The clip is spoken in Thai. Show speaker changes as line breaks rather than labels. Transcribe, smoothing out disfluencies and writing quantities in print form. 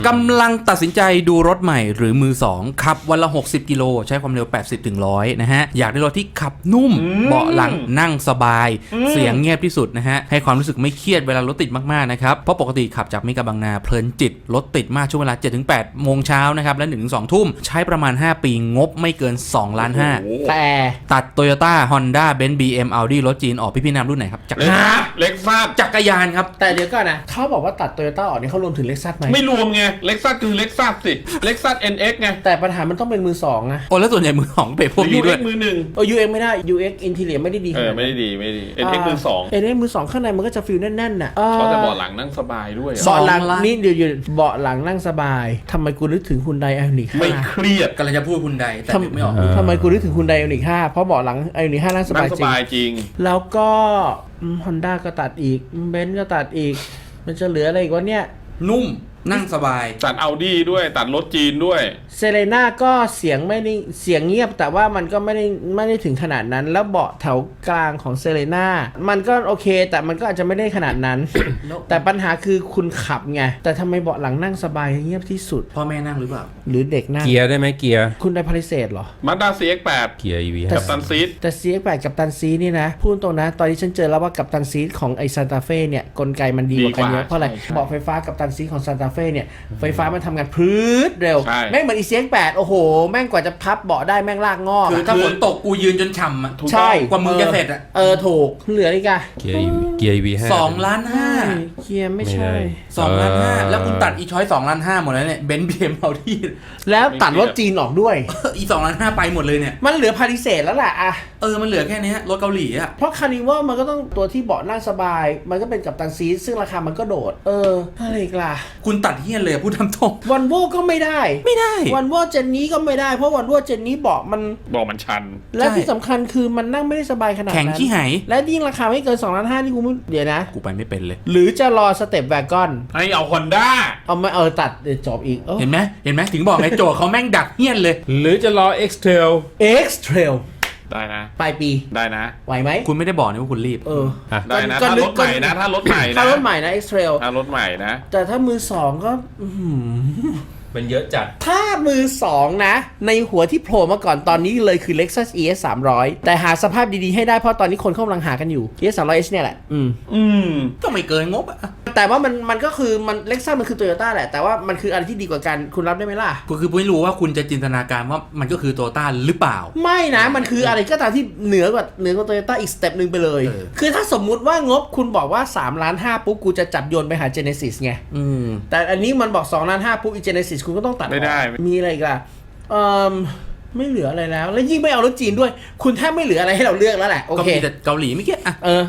กำลังตัดสินใจดูรถใหม่หรือมือ2ขับวันละ60กิโลใช้ความเร็ว80ถึง100นะฮะอยากได้รถที่ขับนุ่มเบาะหลังนั่งสบายเสียงเงียบที่สุดนะฮะให้ความรู้สึกไม่เครียดเวลารถติดมากๆนะครับเพราะปกติขับจากเมกะบางนาเพลินจิตรถติดมากช่วงเวลา 7-8 โมงเช้านะครับและ 1-2 ทุ่มใช้ประมาณ5ปีงบไม่เกิน2ล้าน5
แต่
ตัด Toyota Honda Benz BM Audi รถจีนออกพี่นำรุ่นไหนครับจักรยาน
เล็กซัส
จักรยานครับ
แต่เดี๋ยวก่อนนะเขาบอกว่าตัดโตโยต้าออกนี่เขารวมถึงเล็กซัสไหม
ไม่รวมไงเล็กซัสคือเล็กซัสสิเล็กซัส NX ไง
แต่ปัญหามันต้องเป็นมือสองนะ
โอ้แล้วส่วนใหญ่มือของเป็นพวกนี้ด้วย
มือหนึ่ง
UX ไม่ได้ UX อินทีเรียไม่ได้ดีขนาดนั้น
ไม่ได้ดีNX มือสอง
NX มือสองข้างในมันก็จะฟีลแน่นๆน่ะ
เขาจะเบาะหลังนั่งสบายด้วย
เบาะหลังนี่เดี๋ยวเบาะหลังนั่งสบายทำไมกูนึกถึงฮุนไดไอออนิก
ไม่เครียด
กำลังจะพูดคุณใดแต่นึกไม่ออก
ทำไมกูนึกถึงฮุนไดไอออนิก5เพราะเบาะหลังไอออนิก5นั่งสบายจริงแล้วก็ฮอนด้าก็ตัดอีกเบนซ์ก็ตัดอีกมันจะเหลืออะไรอีกวะเนี่ย
นุ่มนั่งสบาย
ตัดเอาดี้ด้วยตัดรถจีนด้วย
เซเลน่าก็เสียงไม่ได้เสียงเงียบแต่ว่ามันก็ไม่ได้ถึงขนาดนั้นแล้วเบาะแถวกลางของเซเลน่ามันก็โอเคแต่มันก็อาจจะไม่ได้ขนาดนั้น แต่ปัญหาคือคุณขับไงแต่ทำไมเบาะหลังนั่งสบายเงียบที่สุด
พ่อแม่นั่งหรือเปล่า
หรือเด็กนั่ง
เกียร์ได้ไหมเกียร์
คุณได้พาริเซดเหรอ
มาด้า CX8
เกียร์ EV
กับตันซีด
แต่ CX8 กับตันซีนี่นะพูดตรงนะตอนที่ฉันเจอแล้วว่ากับตันซีของไอซานตาเฟ่เนี่ยกลไกมันดีกว่ากันเยอะเพราะอะไรเบาะไฟฟ้ากับตันซีของซานตาเฟ่เนี่ยไฟฟ้ามันทำงานพืดเร็วแม่งเหมือนอี CX8 โอ้โหแม่งกว่าจะพับเบาะได้แม่งลากงอก
คือถ้าฝนตกกูยืนจนฉ่ำอ่ะ
ใช่
กว่ามึงจะเสร็จอ่ะ
ถูกเหลืออีกอะ
เกียร์ EV
2ล้าน5
เกียร์ไม่ใช่
2ล้าน5แล้วคุณตัดอีช้อย2ล้าน5หมดแล้วเนี่ยเบนซ์ BM Audi
แล้วตัดรถจีนออกด้วย
อี2ล้าน5ไปหมดเลยเนี่ย
มันเหลือพาริเซดแล้วแหละอะ
มันเหลือแค่นี้รถเกาหลีอ่ะ
เพราะคาร์นิวัลมันก็ต้องตัวที่เบาะนั่งสบายมันก็เป็นกัปตันซีซึ่งราคามันก็โดดอะไรอีกล่ะ
คุณตัดเฮี้ยนเลยพูดทำตรง
วันโวก็ไม่ได้วันโวเจนนี้ก็ไม่ได้เพราะวันโวเจนนี้เบาะมัน
ชัน
และที่สำคัญคือมันนั่งไม่ได้สบายขนาดนั้น
แข็งขี้หาย
และยิ่งราคาไม่เกิน2ล้าน5นี่กูไม่เดี๋ยวนะ
กูไปไม่เป็นเลย
หรือจะรอสเต็ปแวกอน
ให้เอา Honda
เอาไม่ตัดเดี๋ยวจบอีก
เห็นไหมถึงบอกไงโจเขาแม่งดักเฮี้ยนเลย
หรือจะรอ X-Trail
X-Trail
ได้นะ
ปลายปี
ได้นะ
ไหวไหม
คุณไม่ได้บอกนะว่าคุณรีบ
ได้นะถ้ารถใหม่นะถ้ารถใหม่
นะ X-Trail
ถ้ารถใหม่นะ
แต่ถ้ามือสองก็
มันเยอะจัด
ถ้ามือ2นะในหัวที่โผล่มาก่อนตอนนี้เลยคือ Lexus ES 300แต่หาสภาพดีๆให้ได้เพราะตอนนี้คนเขากำลังหากันอยู่ ES 300H เนี่ยแหละ
ก็ไม่เกินงบอะ
แต่ว่ามันก็คือมัน Lexus มันคือ Toyota แหละแต่ว่ามันคืออะไรที่ดีกว่ากันคุณรับได้ไหมล่ะ
คือไม่รู้ว่าคุณจะจินตนาการว่ามันก็คือ Toyota หรือเปล่า
ไม่นะมันคืออะไรก็ตามที่เหนือกว่า Toyota อีกสเต็ปนึงไปเลยคือถ้าสมมุติว่างบคุณบอกว่า3ล้าน5ปุ๊บกูจะจับโยนไปหา Genesis ไงแต่อันนี้มันบอก2ล้าน5ปุ๊บอี Genesis คุณก็ต้องตัด
ไม่ได้
มีอะไรอีกล่ะไม่เหลืออะไรแล้วยิ่งไม่เอารถจีนด้วยคุณแทบไม่เหลืออะไรให้เราเลือกแล้วแหละโอเค
ก็มีแต่เกาหลีไม่เกี่ย